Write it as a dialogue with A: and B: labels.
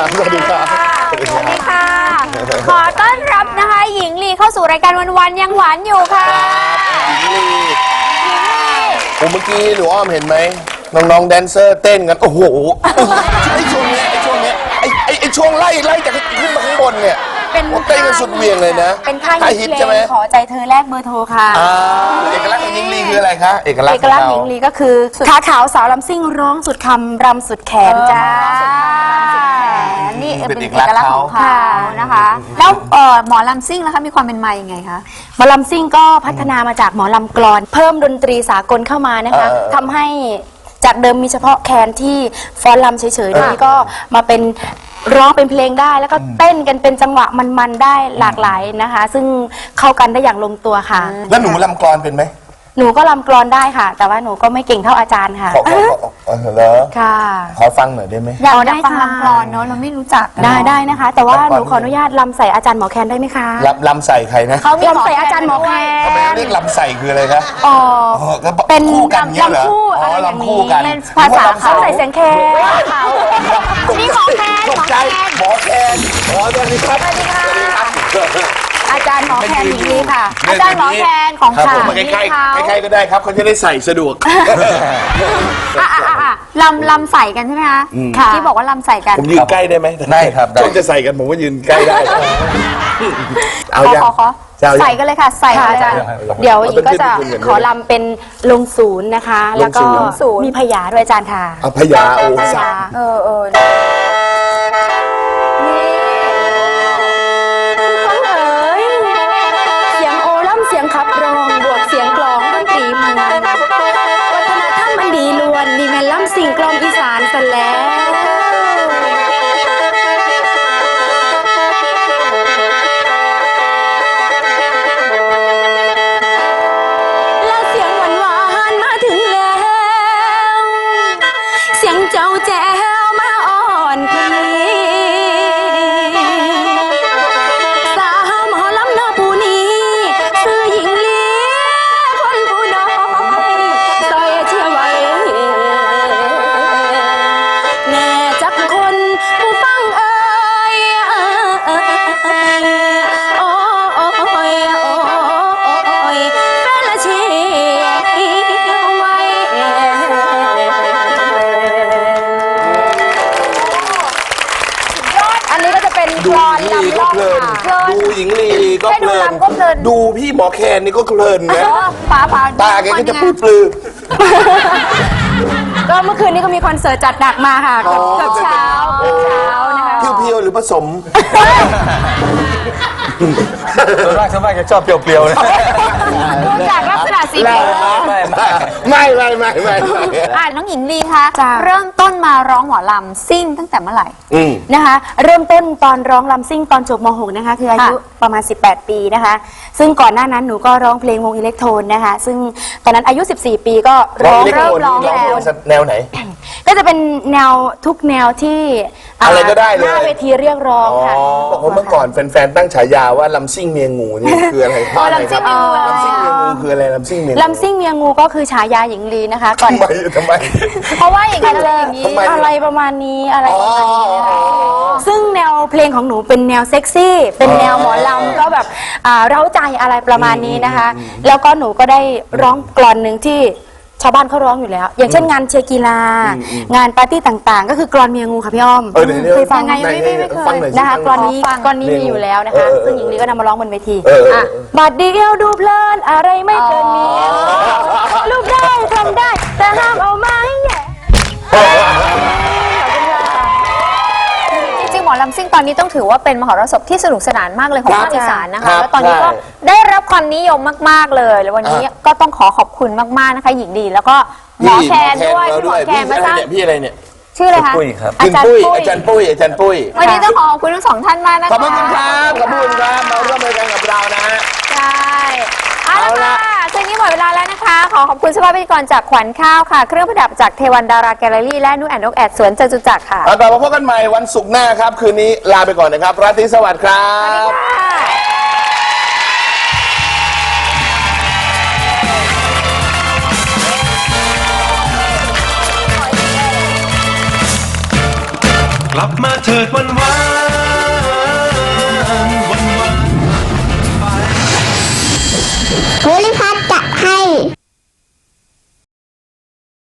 A: สวัสดีครับ
B: สวัสดีค่ะขอต้อนรับนะคะหญิงลีเข้าสู่รายการวันๆยังหวานอยู่ค่ะ
A: หญิงลีเมื่อกี้หนูอ้อมเห็นไหมน้องๆแดนเซอร์เต้นกันโอ้โหไอ้ช่วงนี้ไอ้ช่วงไล่จากขึ้นมาข้างบนเนี่ยเป็นเต้นกันสุดเวียงเลยนะ
B: เป็นท่าฮิตใช่ไหมขอใจเธอแลกเบอร์โทรค่ะ
A: เอกลักษณ์ของหญิงลีคืออะไรคะเอกลักษณ์
B: หญิงลีก็คือขาขาวสาวลำซิ่งร้องสุดคำรำสุดแขนจ้านี่เป็นเอกลักษณ์ของเขานะคะแล้วหมอลำซิ่งนะคะมีความเป็นมาอย่างไงคะหมอลำซิ่งก็พัฒนามาจากหมอลำกลอนเพิ่มดนตรีสากลเข้ามานะคะทำให้จากเดิมมีเฉพาะแคนที่ฟ้อนลำเฉยๆนี้ก็มาเป็นร้องเป็นเพลงได้แล้วก็เต้นกันเป็นจังหวะมันๆได้หลากหลายนะคะซึ่งเข้ากันได้อย่างลงตัวค่ะ
A: แล้วหนูลำกลอนเป็นไหม
B: หนูก็ลำกลอนได้ค่ะแต่ว่าหนูก็ไม่เก่งเท่าอาจารย์ค่ะ
A: เหรอ
B: ค่ะ
A: ขอฟังหน่อยได้ไหม
B: อยากได้ฟังลำกลอนเนาะเราไม่รู้จักได้นะคะแต่ว่าหนูขออนุญาตลำใส่อาจารย์หมอแคนได้ไหมคะ
A: ลำใส่ใครนะ
B: เขาลำใส่อาจารย์หมอแคน
A: ทำไมเรียกลำใส่คืออะไรคะ
B: เป็น
A: คู่กันเงี้ยเหรอ
B: ลำคู่อะไรอย่างนี้เป็นภาษาเขาใส่เสียงแคนนี่หมอแคน
A: หมอแคนสวัสดีครับ
B: อาจารย์หมอแคนหญิงลีค่ะอาจารย์หมอแคนของค่ะ
A: ใกล้ๆก็ได้ครับเขาจะได้ใส่สะดวก
B: ลำใส่กันใช่ไหมคะที่บอกว่าลำใส่กัน
A: ผมยืนใกล้ได้ไหม
C: ได้ครับ
A: ช่วงจะใส่กันผมก็ยืนใกล้ได้
B: เอาอย่างใส่กันเลยค่ะใส่กันเลยเดี๋ยวหญิงก็จะขอลำเป็นลงศูนย์นะคะแล้วก็มีพยาด้วยอาจารย์ค่ะ
A: พยาโอ้สา
B: ขับร้องบวกเสียงกลองดนตรีมันวัฒนธรรมมันดีล้วนนี่แม่นล้ำสิ่งกลองอีสานซะแล้วแล้วเสียงหวานมาถึงแล้วเสียงเจ้าแจ๋วมาอ่อนพี่
A: ดูหญิงลีก็เพลินดูพี่หมอแคนนี่ก็เพลินนะตาแกก็จะปลื้ม
B: ก็เมื่อคืนนี้ก็มีคอนเสิร์ตจัดหนักมาค่ะกับเช้านะคะ
A: เพียวๆหรือผสม
C: ส่วนมากจะชอบเปรี้ยวๆนะ
B: ดูจากลักษณะสีผิว
A: ไม่
B: น้องหญิงลีคะเริ่มต้นมาร้องหมอลำซิ่งตั้งแต่เมื่อไหร่นะคะเริ่มต้นตอนร้องลำซิ่งตอนจบม.6นะคะคืออายุประมาณ18ปีนะคะซึ่งก่อนหน้านั้นหนูก็ร้องเพลงวงอิเล็กโทนนะคะซึ่งตอนนั้นอายุ14ปีก็เริ่มร้องแล้ว
A: แนวไหน
B: ก็จะเป็นแนวทุกแนวที่
A: อะไรก็ได้เลย
B: หน้าเวทีเรียกร้องค่ะ
A: บอกว่าเมื่อก่อนแฟนๆตั้งฉายาว่าลำซิ่งเมียงูนี่คืออะไรครับลำซิ่งเมียงูคืออะไรลำซิ่งเมี
B: ยงูก็คือฉายาหญิงลีนะคะก่อน
A: ทำไม
B: เพราะว่าอย่างนั้นอะไรประมาณนี้อะไรประมาณนี้นะคะซึ่งแนวเพลงของหนูเป็นแนวเซ็กซี่เป็นแนวหมอลำก็แบบเร้าใจอะไรประมาณนี้นะคะแล้วก็หนูก็ได้ร้องกลอนหนึ่งที่ชาวบ้านเขาร้องอยู่แล้วอย่างเช่นงานเชียร์กีฬางานปาร์ตี้ต่างๆก็คือกลอนเมียงูค่ะพี่อ้อมเคยฟังไงไม่เคยนะคะกลอนนี้มีอยู่แล้วนะคะซึ่งหญิงลีก็นำมาร้องบนเวทีบาดเดียวดูเพลินอะไรไม่เกินนี้ลูกได้ทำได้แต่ห้ามเอาไม้แย่จริงๆหมอลำซิ่งตอนนี้ต้องถือว่าเป็นมหรสพที่สนุกสนานมากเลยของภาคอีสานนะคะแล้วตอนนี้ก็ได้รับความนิยมมากๆเลยแล้ววันนี้ก็ต้องขอบคุณมากๆนะคะหญิงดีแล้วก็หมอแคนด้วยหมอแคนมาสร้าง
A: พี่อะไรเนี่ย
B: ชื่ออะไรคะ
A: อาจารย์ปุ้ย
B: วันนี้ต้องขอบคุณทั้งสองท่านมากนะคะ
A: ขอบคุณครับมาร่วมรายการกับเรานะ
B: ใช่เอาละค่ะช่วงนี้หมดเวลาแล้วนะคะขอบคุณสภาพพิธีกรจากขวัญข้าวค่ะเครื่องประดับจากเทวันดาราแกลเลอรี่และนุ่นแอนนกแอดสวนจตุจักรค่ะ
A: กลับมาพบกันใหม่วันศุกร์หน้าครับคืนนี้ลาไปก่อนนะครับราตรีสวัสดิ์ครับ
D: ลับมาเถิดวันวาน